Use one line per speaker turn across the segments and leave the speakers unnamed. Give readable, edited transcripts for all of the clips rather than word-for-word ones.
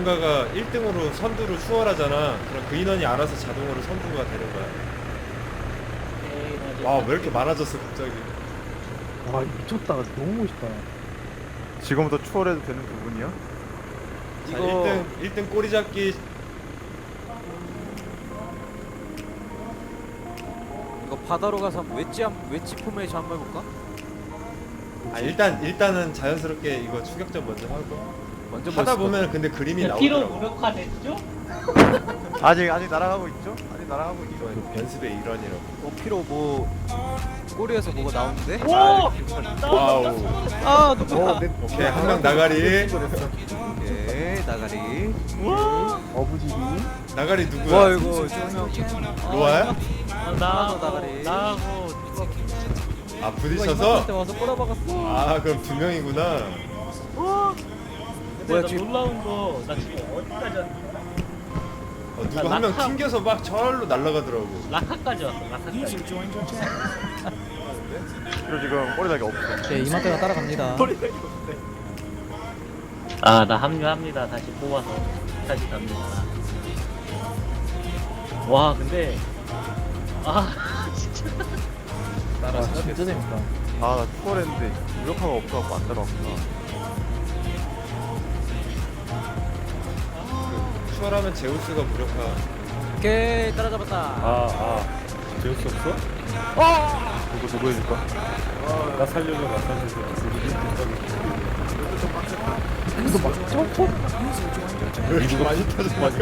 누군가가 1등으로 선두로 추월하잖아. 그럼 그 인원이 알아서 자동으로 선두가 되는 거야. 와, 왜 이렇게 많아졌어 갑자기.
와 미쳤다. 너무 멋있다.
지금부터 추월해도 되는 부분이야?
자,
이거
1등 꼬리 잡기.
이거 바다로 가서 한번 웨지 포메이션 한번 해볼까?
아, 일단은 자연스럽게 이거 추격전 먼저 하고
먼저
하다
멋있거든.
보면 근데 그림이
피로
나오더라고.
무력화 됐죠?
아직 날아가고 있죠? 아직 날아가고 있죠?
이건 연습의 일환이라고.
피로 뭐 꼬리에서 뭐가 나오는데?
오!
와우.
아 누구?
오케이, 한 명 나가리.
오케이 나가리.
어부지리.
나가리 누구야?
와 이거 조명.
로아야?
나가리.
나하고
아, 부딪혀서?
때 와서 꼬라박았어.
아, 그럼 두 명이구나.
근데
뭐야,
나
지금-
놀라운 거 나 지금 어디까지 왔니?
누구 한 명
낙하.
튕겨서 막 절로 날아가더라고.
라카까지 왔어 라카까지.
그리고 지금 꼬리다기 없어.
네, 이마트가 따라갑니다.
아 나 합류합니다. 다시 뽑아서 다시 갑니다. 와 근데 진짜
와 진짜 재밌다.
나 추월했는데 무력화가 없어갖고 안 따라왔구나.
추월하면 제우스가 무력화.
오케이 따라잡았다.
재울수 없어?
누구 해줄까?
나 살려줘.
이거 많이 터졌다니까?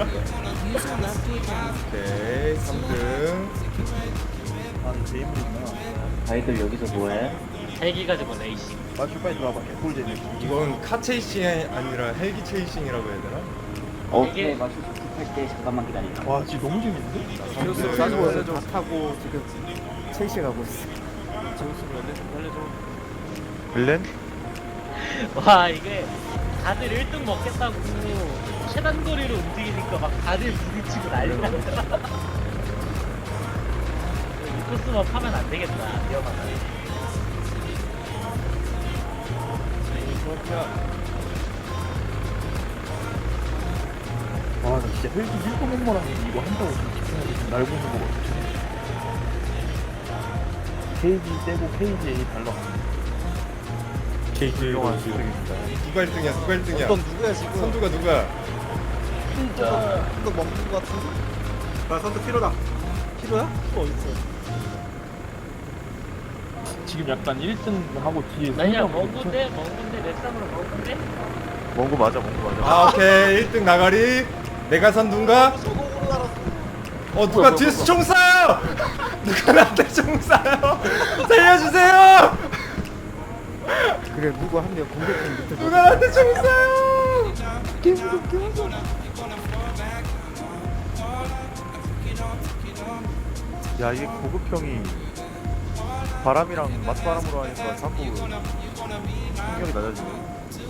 오케이, 3등.
아 게임이구나.
아이들 여기서 뭐해?
헬기 가지고 레이싱.
마슈 빨리 들어와봐. 개꿀잼이.
이건 카 체이싱이 아니라 헬기 체이싱이라고 해야 되나?
오케이 마슈 할때 잠깐만 기다려.
와 진짜 너무 재밌는데?
제우스
싸주고
살려줘.
다 타고 지금 체이시 가고 있어.
제우스 살려줘.
빌렌?
와 이게 다들 1등 먹겠다고 최단 거리로 움직이니까 막 다들 부딪히고 난리 나더라. 이 코스만 파면 안 되겠다. 위험하다.
와 나 진짜 헬기 1분 공모랑 이거 한다고 지금 집중하고 지금 날고 있는 거 같아. KG 떼고 KGA 달러.
KJ
훌륭한
원수.
수익입니다.
누가 1등이야? 누가 1등이야?
어떤 누구야 지금?
선두가 누구야?
이거 먹는 거 같은데?
나 선수 필요다.
필요야?
지금 약간 1등 하고 뒤에
아니야
선수하고
먹은데 랩상으로 먹은데
몽구 맞아.
아, 오케이. 1등 나가리. 내가 선두인가? 누가 뒤에서 총 쏴요! 누가 나한테 총 쏴요! 살려주세요!
그래 누구 한 명 공격팀 밑에
누가 나한테 총 쏴요!
야 이게 고급형이 바람이랑 맞바람으로 하니까 자꾸 충격이 낮아지네.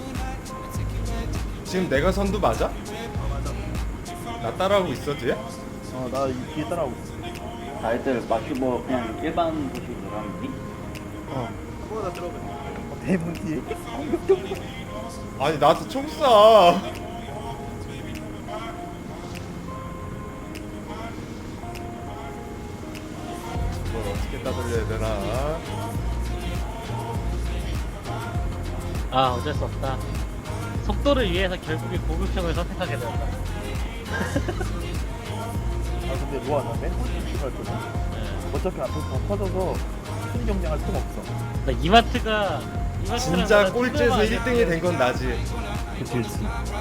지금 내가 선두 맞아? 나 따라하고 있어, 뒤에?
나 뒤에 따라오고 있어.
아이들 마슈 뭐 그냥 일반 도시로 들어가면 돼?
대문 뒤에
아니, 나한테 총 쏴! 이걸 어떻게 따돌려야 되나?
아 어쩔 수 없다. 속도를 위해서 결국에 고급형을 선택하게 된다.
아 근데 로아 나맨 꼴찌 갈 거야. 어차피 앞에서 다 터져서 큰 경쟁할 틈 없어.
나 이마트가
진짜 꼴찌에서 1등이 된 건 나지.
그치 그치.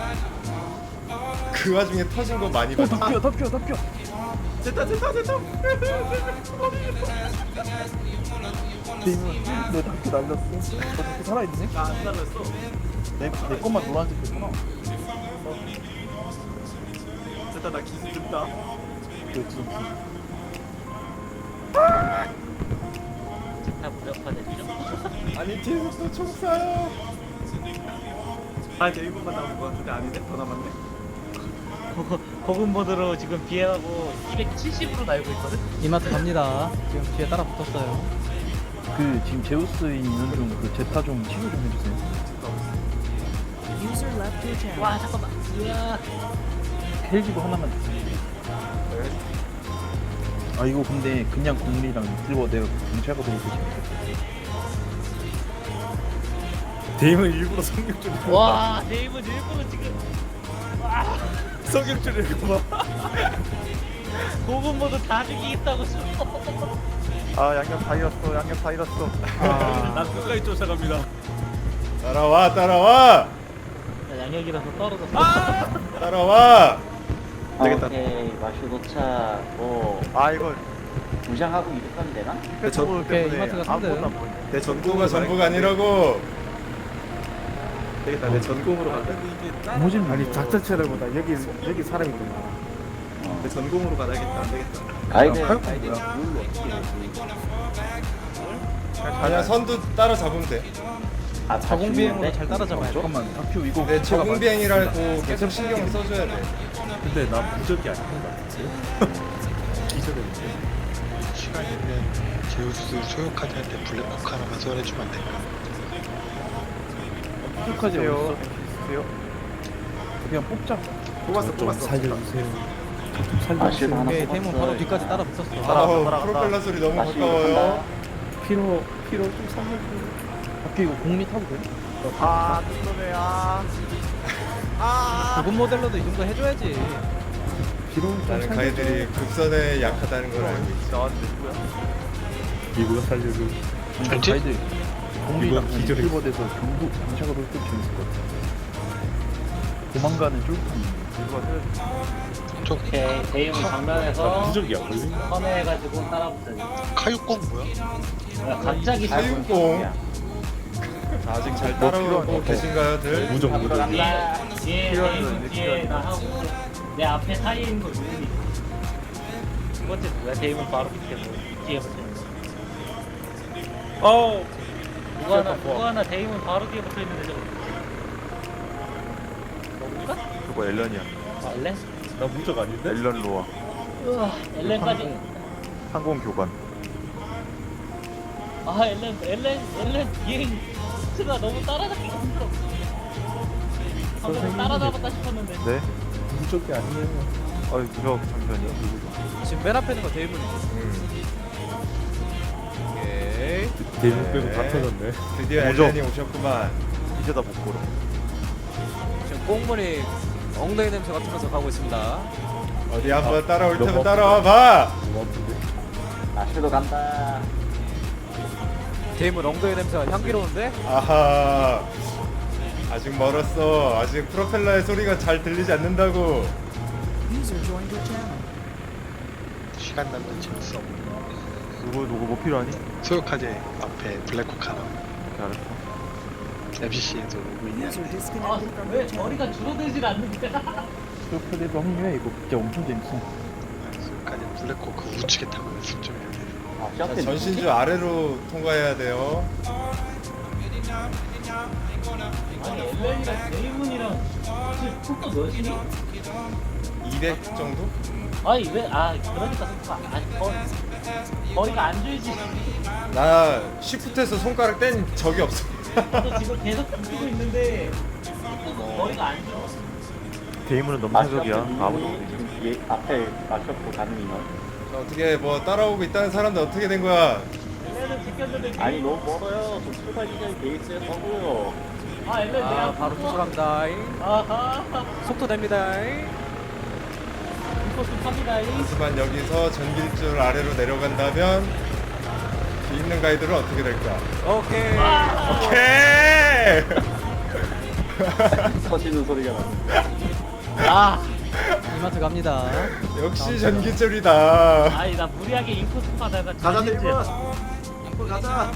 그 와중에 터진 거 많이 봤지.
덮여.
됐다.
대문 너 덮여 날렸어. 너 덮여 살아있네? 나 안 살았어. 내 것만 노란색 됐구나. 됐다 나 기술 준다. 그렇지.
다 무력화됐죠.
아니, 뒤에서 또 총 쏴요.
아 이제 1분만 남은 거 같은데 아니네? 더 남았네.
고급 모드로 지금 비행하고 270으로 날고 있거든.
이마트 갑니다. 지금 뒤에 따라 붙었어요.
그 지금 제우스 있는 중 그 제타 좀 치료 좀 해주세요.
와 잠깐만. 으아.
헬기도 하나만 주세요. 아 이거 근데 그냥 공리랑 실버 내가 경찰가 보고 싶어.
데임은 일부러 성격줄
와 네임은 일부러 지금
성격줄 읽고
고분 모두 다 죽이겠다고 싶어.
아 양념 다 잃었어. 양념 다 잃었어.
난 끝까지 쫓아갑니다.
따라와 따라와
양력이라서 떨어졌어.
따라와.
되겠다.
오케이 마슈 도착. 뭐
아 이거
무장하고 이륙하면 되나?
오케이, 이마트가 3등.
내
전부가 전부가 아니라고.
되겠다. 내 전공으로 가자.
모진
아니 작전체를보다 여기 사람이 더 많아. 내 전공으로 가야겠다. 안 되겠다.
가이드
아,
가이드
뭐야.
룰로 어떻게 되지?
그냥 선두 따라 잡으면 돼.
아
자공 비행으로 잘 따라잡아야 돼.
잠깐만 학교 이거
근데 적응 비행이라고 계속 신경을 써줘야 돼.
근데 나 무적이 아닌 것 같은데. 기절했는데.
시간이면 제우스 소유카드한테 블랙호크 하나만 소환해주면 안 될까?
부족하지 어딨어? 있어요? 그냥 뽑자.
좀 살려주세요. 좀
마슈도 하나
오케이, 데이몬 바로
뽑았어.
뒤까지 따라 붙었어.
아우
따라간다.
프로펠러 소리 너무
마슈
가까워요.
간다.
피로 좀 살려주세요.
학교 이거 공리 타도 돼? 아 뜬놈에
고급 모델로도 이 정도 해줘야지.
피로 좀
나는
살려줘.
가이들이 극선에 약하다는 걸 알고 있어.
나왔는데 누구야?
이거가 살려줘.
전체?
가이드 공리랑
이거 기절했어.
실버 돼서 경북 경찰가 볼때 재밌을 것 같아. 도망가는 쫄판.
저
오케이 데이몬
나
정면에서
무적이 안 걸리네.
선회해가지고 따라붙어야지.
카육공 뭐야?
야, 갑자기
사육공. 아직 잘 따라오고 계신가요,들?
무적.
뒤에 데이몬 뒤에 나 하고 내 앞에 사이에 있는 거 누구니? 두 번째 뭐야? 데이몬 바로 밑에 뭐 뒤에 붙어.
어.
누구 하나 데이몬 바로 뒤에 붙어 있는데 저거. 너구가?
그거 엘런이야.
아 엘렌?
나 무적 아닌데?
엘런 로아.
우와 엘렌까지.
항공 교관.
아 엘렌 비행 스가 너무 따라잡기가 힘들어. 방금 따라잡았다 싶었는데.
네?
무적이 아니에요.
아유 무적 잠시만요.
지금 맨 앞에 있는 거 데이몬이지. 오케이.
데이몬 빼고 다
네.
터졌네.
드디어
오죠.
엘렌이 오셨구만.
이제 다 못 걸어.
지금 꽁무니 엉덩이 냄새 맡으면서 가고 있습니다.
어디 한번 따라올 테면
너무
따라와 봐.
너무 아픈데.
마슈도 간다.
데이몬 엉덩이 냄새가 향기로운데?
아하. 아직 멀었어. 아직 프로펠러의 소리가 잘 들리지 않는다고.
시간 남는 재밌어.
누구 뭐 필요하니?
소유카드 앞에 블랙호크 하나.
오케이 알았어.
MCC에도 오고 있냐?
아왜 머리가 줄어들질 않는데?
스토크대도 합류해. 이거 진짜 엄청 재밌어.
소유카드 블랙호크 우측에 타고 연습 좀 해야 돼.
아
자,
시합 때
전신주 아래로 통과해야 돼요.
아니 엘렌이랑 데이몬이랑 지금 속도 몇이니?
200 정도?
아니 그러니까 속도가 거리가 안 줄지.
나 시프트에서 손가락 뗀 적이 없어.
저 지금 계속 붙이고 있는데 속도가 거리가 안 줄.
데이문은 너무
마슈
사적이야. 아무도
아무도
못 이겨.
뒤에 앞에 마슈고 가는 인원.
자, 어떻게 뭐 따라오고 있다는 사람들 어떻게 된 거야?
엘렌은 지켰는데
아니 너무 멀어요. 저 출발 시간이 돼 있어요. 서고요.
아 엘렌 내가
아 바로 쫓아갑니다.
아하
속도 됩니다.
인코스 팝니다.
하지만 여기서 전길줄 아래로 내려간다면 뒤에 있는 가이드는 어떻게 될까?
오케이.
오케이!
서시는 소리가 나.
아
이마트 갑니다.
역시 전기줄이다.
아니 나 무리하게 인코스 파다가
가자 데이몬. 이거 가자.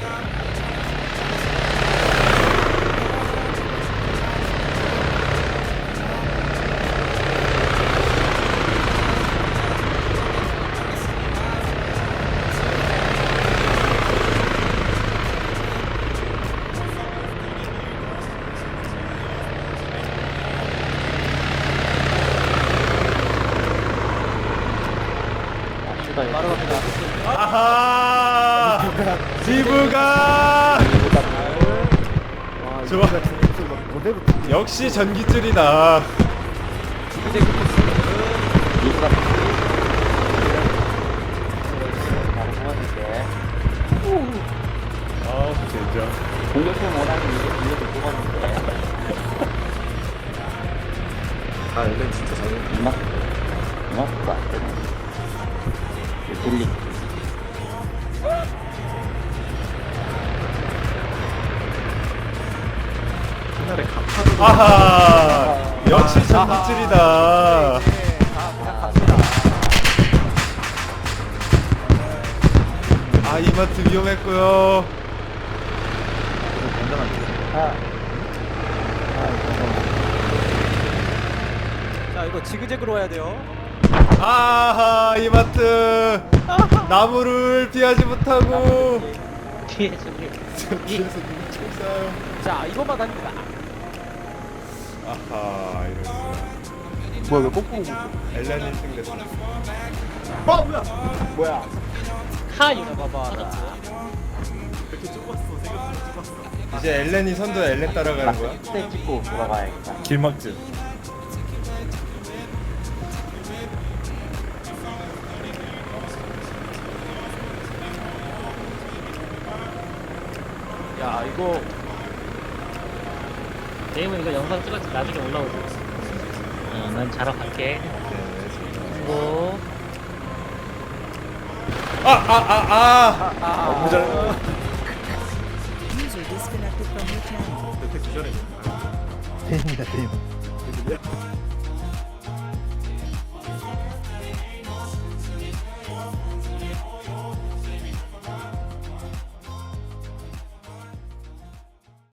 마슈가 여기
아하! 지브가! 좋아.
그대로
역시 전기줄이다.
이수가 바로 뽑아줄게.
아 진짜.
공격형 원하는 이거 뽑아줄게.
아 엘렌 진짜 잘해.
이마스가 안 되네. 돌리.
옛날에 간판으로
아하. 역시 전기줄이다. 아 이마트 위험했고요.
자 이거 지그재그로 와야 돼요.
아하 이마트 나무를 피하지 못하고
뒤에 저기
뒤에서 누구 총 쏴요.
자 이것만 갑니다.
아하 이런.
뭐야 왜 거꾸로 보고
엘렌 1등 됐어.
뭐야?
카 이거
봐봐.
이렇게 좁았어. 생각보다 좁았어.
이제 엘렌이 선두 엘렌 따라가는 거야?
때 찍고 돌아가야겠다.
길막질.
야 이거
데이먼 이거 영상 찍어서 나중에 올라오고. 난 자러 갈게. 뭐
너무 잘.
이렇게 기절해.
대입니다 대입